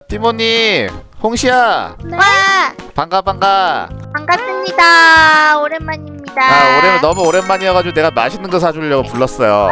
띠모님, 홍시야. 네. 와, 반가. 반갑습니다. 오랜만입니다. 너무 오랜만이어가지고 내가 맛있는 거 사주려고 불렀어요.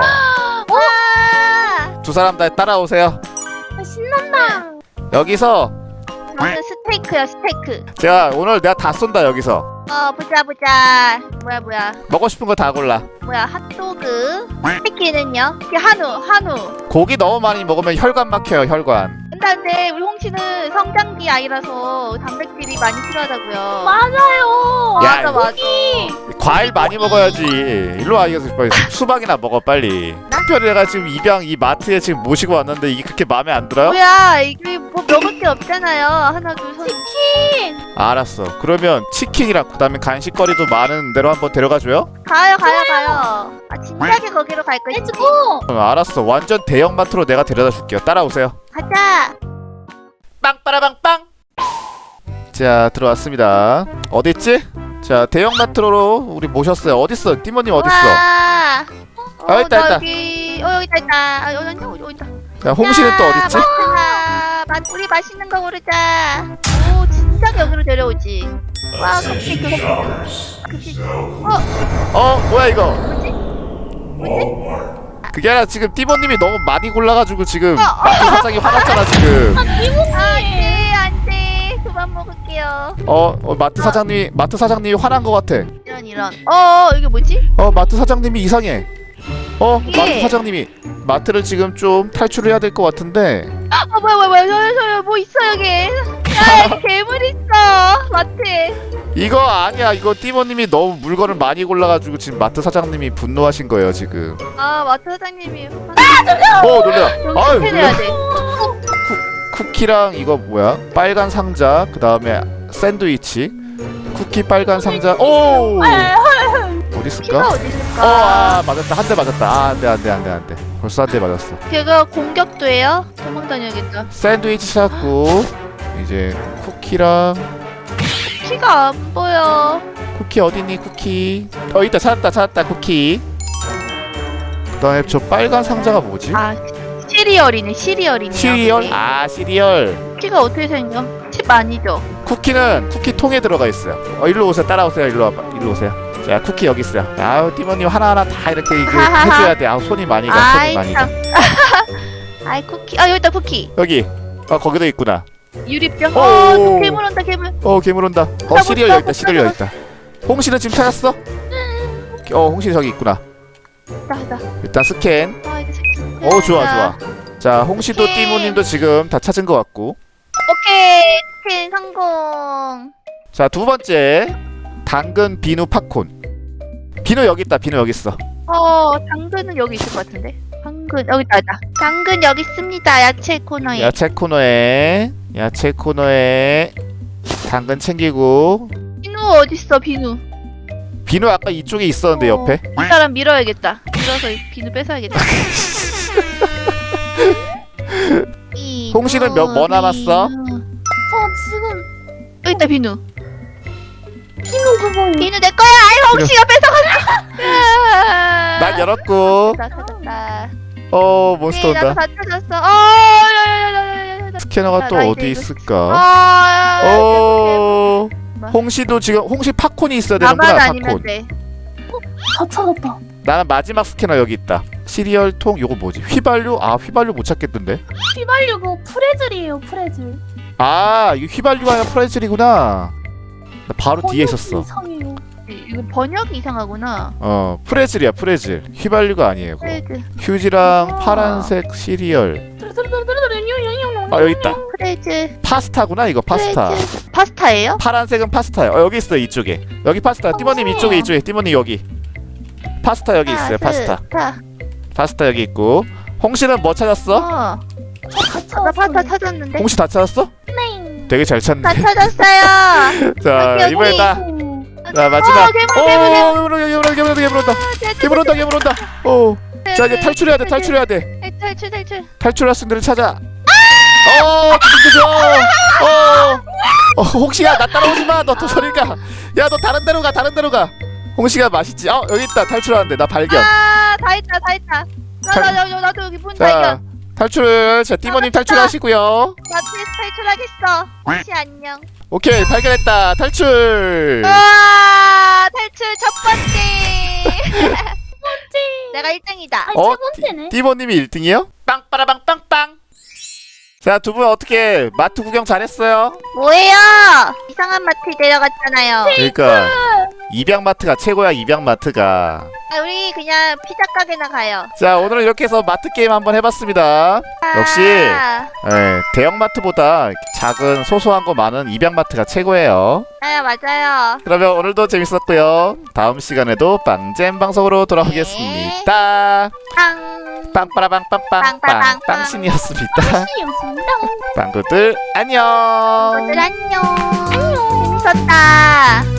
와, 두 사람 다 따라오세요. 신난다. 여기서 저는 스테이크요, 스테이크. 제가 오늘 내가 다 쏜다. 여기서 보자. 뭐야. 먹고 싶은 거 다 골라. 핫도그. 치킨은요? 한우. 고기 너무 많이 먹으면 혈관 막혀요. 혈관. 근데 우리 홍씨는 성장기 아이라서 단백질이 많이 필요하다고요. 맞아요. 야, 맞아. 과일 많이 먹어야지. 일로 와. 이거 빨리 수박이나 먹어 빨리. 특별히 내가 지금 입양 이 마트에 지금 모시고 왔는데 이게 그렇게 마음에 안 들어요? 뭐야, 이게 뭐 먹을 게 없잖아요. 하나, 둘, 셋. 치킨. 알았어. 그러면 치킨이랑 그다음에 간식거리도 많은 데로 한번 데려가줘요? 가요. 진작에 거기로 갈 거지. 렛츠고. 알았어. 완전 대형 마트로 내가 데려다 줄게요. 따라오세요. 가자. 빵빠라빵빵. 자, 들어왔습니다. 어딨지? 자, 대형 마트로 우리 모셨어요. 어딨어? 띠모님 어딨어? 와. 있다. 여기 있다. 여기 있다. 자, 홍시는 또 어딨지? 우리 맛있는 거 고르자. 오, 진짜 여기로 데려오지. 와, 컵케이크. 뭐야 이거? 뭐지? 그게 아니라 지금 띠모님이 너무 많이 골라가지고 지금 마트 사장이 화났잖아 지금. 안돼. 그만 먹을게요. 마트 사장님이 화난 것 같아. 이런. 이게 뭐지? 마트 사장님이 이상해. 이게- 마트 사장님이 마트를 지금 좀 탈출해야 될 것 같은데. 뭐야. 뭐 있어 여기. 야, 괴물 있어. 마트에. 이거 아니야. 이거 띠모님이 너무 물건을 많이 골라가지고 지금 마트 사장님이 분노하신 거예요 지금. 마트 사장님이. 놀래라. 여기 아유, 스캔해야 돼. 쿠키랑 이거 뭐야? 빨간 상자. 그 다음에 샌드위치. 쿠키 빨간 상자. 오. 어디 키가 있을까? 어디 있을까? 맞았다. 한 대 맞았다. 안돼. 벌써 한 대 맞았어. 걔가 공격도 해요? 도망 다녀야겠다. 샌드위치 찾고 이제 쿠키랑 키가 안 보여. 쿠키 어디니? 쿠키. 있다. 찾았다. 쿠키. 그다음에 저 빨간 상자가 뭐지? 시리얼이네. 시리얼. 시리얼. 키가 어떻게 생겨? 칩 아니죠? 쿠키는 쿠키 통에 들어가 있어요. 일로 오세요. 따라오세요. 일로 오세요. 자, 쿠키 여기 있어요. 아우, 띠모님 하나하나 다 이렇게 해줘야 돼. 손이 많이 가. 참. 쿠키. 여기 있다, 쿠키. 여기. 거기도 있구나. 유리병. 오. 괴물 온다, 괴물. 괴물 온다. 시리얼 여기 있다. 시리얼 여기 있다. 홍시는 지금 찾았어? 홍시 저기 있구나. 나. 일단 스캔. 이거 좋아. 자, 홍시도 띠모님도 지금 다 찾은 것 같고. 오케이. 스캔 성공. 자, 두 번째. 당근, 비누, 팝콘. 비누 여기 있다. 비누 여기 있어. 당근은 여기 있을 것 같은데. 당근 여기 있다. 당근 여기 있습니다. 야채 코너에. 야채 코너에 당근 챙기고. 비누 어딨어, 비누? 비누 아까 이쪽에 있었는데 옆에. 이 사람 밀어야겠다. 밀어서 이 비누 뺏어야겠다. 홍시는 뭐 남았어? 저 지금 네. 여기 있다, 비누. 비누 그거요. 비누 내 거야. 홍시가 뺏어갔어. 난 열었고. 찾았다. 몬스터 나도 온다. 다 찾았어. 스캐너가 나 또 이제 어디 이거 있을까? 홍시도 지금 홍시 팝콘이 있어야 되는구나. 나만 아니면 팝콘. 돼. 다 찾았다. 나는 마지막 스캐너 여기 있다. 시리얼 통 요거 뭐지? 휘발유? 휘발유 못 찾겠던데. 휘발유 그 프레즐이에요. 프레즐. 이거 휘발유가 아니라 프레즐이구나. 나 바로 뒤에 있었어. 이상해요. 이거 번역이 이상하구나. 프레즐이야. 프레즐. 휘발유가 아니에요. 그거. 프레즈. 휴지랑 파란색 시리얼. 여기 있다. 프레즈. 파스타구나 이거. 파스타. 프레즈. 파스타예요? 파란색은 파스타요. 여기 있어. 이쪽에. 여기 파스타. 띠모님 이쪽에. 띠모님 여기. 파스타 여기 있어요. 파스타 여기 있고. 홍시는 뭐 찾았어? 나 파스타 찾았는데. 홍시 다 찾았어? 네. 되게 잘 찾네. 다 찾았어요. 자, 여기. 이번에다. 자, 마지막. 괴물 온다. 자, 이제 탈출해야 돼. 탈출. 탈출할 수 있는 데를 찾아. 그죠? 홍시야, 나 따라오지 마. 너 또 저리 가. 야, 너 다른 데로 가. 홍시가 맛있지. 여기 있다. 탈출하는데 나 발견. 다 있다. 나도 여기 문 발견. 탈출. 자, 띠모님 탈출하시고요. 나 탈출하겠어. 혹시 안녕. 오케이, 발견했다. 탈출. 우와 탈출 첫 번째. 내가 1등이다. 아니 어? 세 번째네. 띠모님이 1등이요? 빵빠라빵 빵빵. 자, 두 분 어떻게 마트 구경 잘했어요? 뭐예요? 이상한 마트 데려갔잖아요. 그러니까 입양마트가 최고야, 입양마트가. 아, 우리 그냥 피자 가게나 가요. 자, 오늘은 이렇게 해서 마트 게임 한번 해봤습니다. 역시 대형마트보다 작은 소소한 거 많은 입양마트가 최고예요. 맞아요. 그러면 오늘도 재밌었고요. 다음 시간에도 빵잼 방송으로 돌아오겠습니다. 빵. 빵빠라빵빵빵빵 빵빠빵빵. 빵신이었습니다. 시였습니다. 빵구들 안녕. 친구들 안녕. 재밌었다.